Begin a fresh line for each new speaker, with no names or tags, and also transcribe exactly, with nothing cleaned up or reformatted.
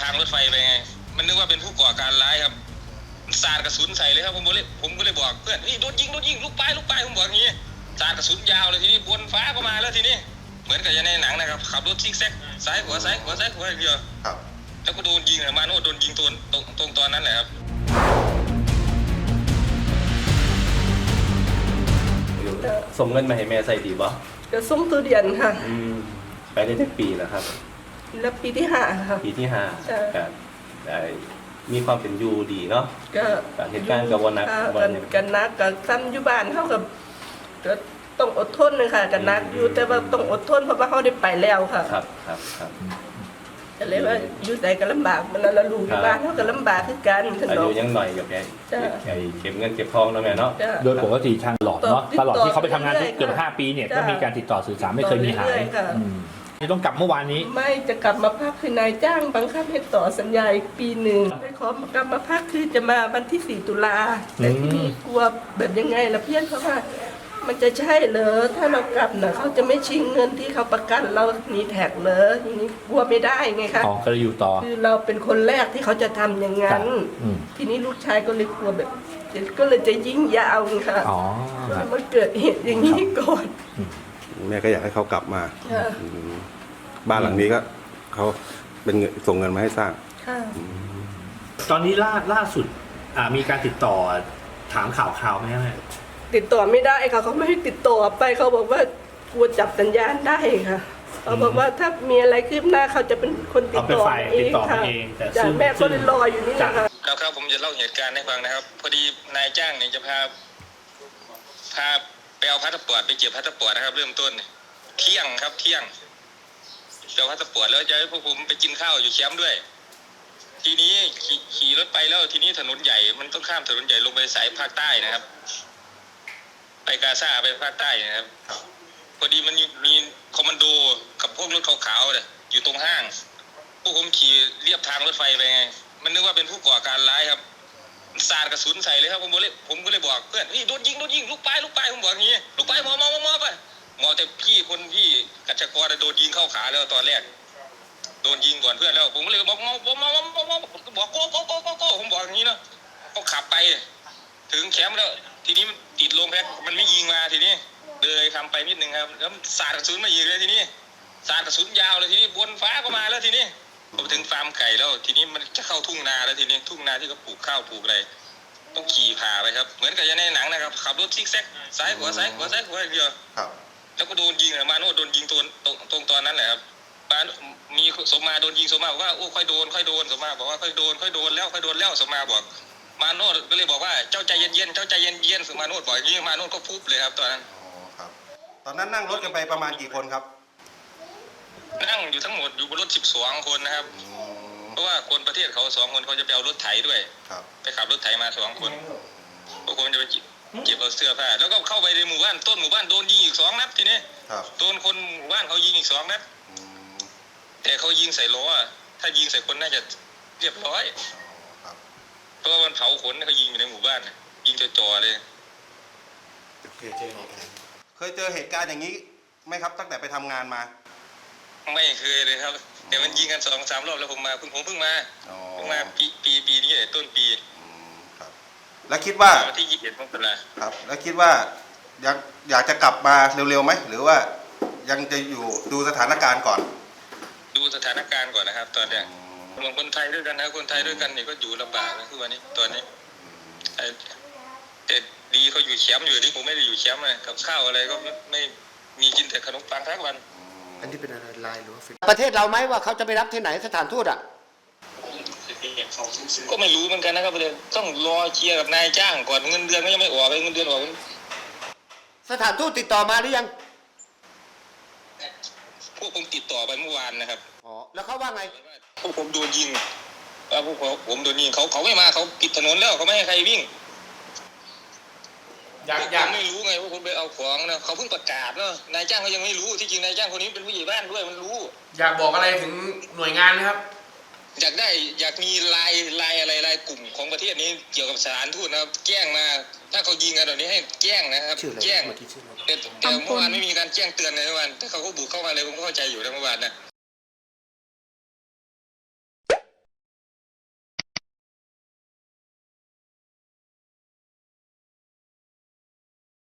างรถไฟไปไงมันนึกว่าเป็นผู้ก่อการร้ายครับสาดกระสุนใส่เลยครับผมเลยผมก็เลยบอกเพื่อนเฮ้ยโดนยิงโดนยิงลูกปลายลูกปลายผมบอกอย่างนี้สาดกระสุนยาวเลยทีนี้บนฟ้าก็มาแล้วทีนี้เหมือนกับในหนังนะครับขับรถซิกแซกซ้ายขวาซ้ายขวาซ้ายขวาอย่างเดียวแล้วก็โดนยิงมาโน่โดนยิงตรงตรงตรงตอนนั้นแหละครับ
ส่งเงินมาให้แม่ใส่ดีบ่
ก็ส่งตัวเดียนค่ะ
ไปได้ทั้งปีแล้วครับ
แล้วปีที่ห้าค่ะ
ปีที่ห้าครับมีความเป็นอยู่ดีเนาะ
ก็
เหตุการณ์กับวันนัก
วันกันนักกับซ้ำอยู่บ้านเท่ากับก็ต้องอดทนเลยค่ะกันนักอยู่แต่ว่าต้องอดทนเพราะว่าเขาได้ไปแล้วค่ะ
ครับครับครับ
ก็เลยว่าอยู่ใจก็ลำบากมันแล้วลูกอยู่บ้านเขาก็ลำบากคือกัน
อายุยังหน่อยกับแกไอ้เก็บเงินเก็บทองแล้วแม่เนาะ
โดยปกติทางหลอดเนาะตลอดที่เขาไปทำงานเกือบห้าปีเนี่ยก็มีการติดต่อสื่อสารไม่เคยมีหายจะต้องกลับเมื่อวานนี้
ไม่จะกลับมาพักคือนายจ้างบังคับให้ต่อสัญญาอีกปีหนึ่งไปขอกลับมาพักคือจะมาวันที่สี่ตุลาแต่ที่นี่กลัวแบบยังไงล่ะเพื่อนเขาว่ามันจะใช่เหรอถ้าเรากลับน่ะเขาจะไม่ชิงเงินที่เขาประกันเรามีแท็กเหรออย่างนี้กลัวไม่ได้ไงคะ
อ๋อก็เลยอยู่ต่อ
คือเราเป็นคนแรกที่เขาจะทำอย่างนั้นทีนี้ลูกชายก็เลยกลัวแบบก็เลยจะยิ่งยาวค่ะ
อ๋อ
มันเกิดเหตุอย่างนี้ก่อน
แม่ก็อยากให้เขากลับมาบ้านหลังนี้ก็เขาเป็นส่งเงินมาให้สร้าง
ตอนนี้ล่าล่าสุดมีการติดต่อถามข่าวข่าวไหมแม่
ติดต่อไม่ได้ค่ะเขาไม่ให้ติดต่อไปเขาบอกว่ากลัวจับสัญญาณได้ค่ะเขาบอกว่าถ้ามีอะไรคืบหน้าเขาจะเป็นคนติดต่อเองค่ะแต่แม่ก็เลยรออยู่นี่นะคะ
ครับครับผมจะเล่าเหตุการณ์ให้ฟังนะครับพอดีนายจ้างเนี่ยจะพาพาไปเอาพาสปอร์ตไปเก็บพาสปอร์ตนะครับเริ่มต้นเที่ยงครับเที่ยงเจ้าพาสปอร์ตแล้วจะให้พวกผมไปกินข้าวอยู่แคมป์ด้วยทีนี้ขี่ขี่รถไปแล้วทีนี้ถนนใหญ่มันต้องข้ามถนนใหญ่ลงไปสายภาคใต้นะครับไปกาซาไปภาคใต้นะครับพอดีมันมีคอมมานโดกับพวกรถขาวๆเนี่ยอยู่ตรงห้างพวกผมขี่เรียบทางรถไฟไปไงมันนึกว่าเป็นผู้ก่อการร้ายครับสาดกระสุนใส่เลยครับผมเลยผมก็เลยบอกเพื่อนเฮ้ยโดนยิงโดนยิงลูกปลายลูกปลายผมบอกอย่างนี้ลูกปลายมอมอมอไปหมอแต่พี่คนพี่กัจจกรโดนยิงเข้าขาแล้วตอนแรกโดนยิงก่อนเพื่อนแล้วผมก็เลยบอกมอมอมอมอมอบอกโก้โก้โก้โก้ผมบอกอย่างนี้เนาะเขาขับไปถึงแคมป์แล้วทีนี้มันติดลงแพ็คมันไม่ยิงมาทีนี้เลยทำไปนิดนึงครับแล้วสาดกระสุนมายิงเลยทีนี้สาดกระสุนยาวเลยทีนี้บนฟ้าก็มาแล้วทีนี้พอไปถึงฟาร์มไก่แล้วทีนี้มันจะเข้าทุ่งนาแล้วทีนี้ทุ่งนาที่เขาปลูกข้าวปลูกอะไรต้องขี่ผ่าไปครับเหมือนกับในหนังนะครับขับรถซิกแซกซ้ายขวาซ้ายขวาซ้ายขวาอย่างเดียวแล้วก็โดนยิงมาโน่โดนยิงตัวตรงตอนนั้นแหละครับบ้านมีสมมาโดนยิงสมมาบอกว่าโอ้ค่อยโดนค่อยโดนสมมาบอกว่าค่อยโดนค่อยโดนแล้วค่อยโดนแล้วสมมาบอกมาโน่ก็เลยบอกว่าเจ้าใจเย็นๆเจ้าใจเย็นๆสมมาโน่บอกอย่างนี้มาโน่ก็ฟุบเลยครับตอนนั้น
ครับตอนนั้นนั่งรถกันไปประมาณกี่คนครับ
นั่งอยู่ทั้งหมดอยู่บนรถสิบสองคนนะครับเพราะว่าคนประเทศเขาสองคนเขาจะไปเอารถไถด้วยไปขับรถไถมาสองคนพวกผมจะไปเก็บเอาเสื้อผ้าแล้วก็เข้าไปในหมู่บ้านต้นหมู่บ้านโดนยิงอีกสองนัดทีนี้โดนคนหมู่บ้านเขายิงอีกสองนัดแต่เขายิงใส่ล้อถ้ายิงใส่คนน่าจะเรียบร้อยเพราะว่ามันเผาขนเขายิงอยู่ในหมู่บ้านยิงจ่อๆเลย
เคยเจอเหตุการณ์อย่างนี้ไหมครับตั้งแต่ไปทำงานมา
ไม่เคยเลยครับแต่มันยิงกันสองสามรอบแล้วผมมาผมเพิ่งมาเพิ่งมาปีปีปีนี้ต้นปี
ครับแล้วคิดว่า
ที่ยี่สิบเอ็ดมกรา
ครับแล้วคิดว่าอยากอยากจะกลับมาเร็วๆไหมหรือว่ายังจะอยู่ดูสถานการณ์ก่อน
ดูสถานการณ์ก่อนนะครับตอนนี้รวมคนไทยด้วยกันนะคนไทยด้วยกันนี่ก็อยู่ลำบากนะคือวันนี้ตอนนี้แต่ดีเขาอยู่แคมป์อยู่ที่ผมไม่ได้อยู่แคมป์เลยกับข้าวอะไรก็ไม่มีกินแต่ขนมปังทั้งวัน
อันนี้เป็นอะไรลายหรือว่าประเทศเราไหมว่าเขาจะไปรับที่ไหนสถานทูตอ่ะ
ก็ไม่รู้เหมือนกันนะครับเลยต้องรอเคลียร์กับนายจ้างก่อนเงินเดือนก็ยังไม่ออกเลยเงินเดือนออก
สถานทูตติดต่อมาหรือยัง
พวกผมติดต่อไปเมื่อวานนะครับ
อ๋อแล้วเขาว่าไง
พวกผมโดนยิงพวกผมโดนยิงเขาเขาไม่มาเขาปิดถนนแล้วเขาไม่ให้ใครวิ่งอยากอยากไม่รู้ไงว่าผมไปเอาของนะเขาเพิ่งประกาศเนาะนายจ้างเขายังไม่รู้ที่จริงนายจ้างคนนี้เป็นผู้ใหญ่บ้านด้วยมันรู้
อยากบอกอะไรถึงหน่วยงานนะครับ
อยากได้อยากมีลายลายอะไรลายกลุ่มของประเทศนี้เกี่ยวกับสถานทูตนะครับแจ้งมาถ้าเขายิงกันแบบนี้ให้แจ้งนะครับแจ้งแต่แต่เมื่อวานไม่มีการแจ้งเตือนเลยเมื่อวานถ้าเขาก็บุกเข้ามาเลยผมก็เข้าใจอยู่นะเมื่อวานนะ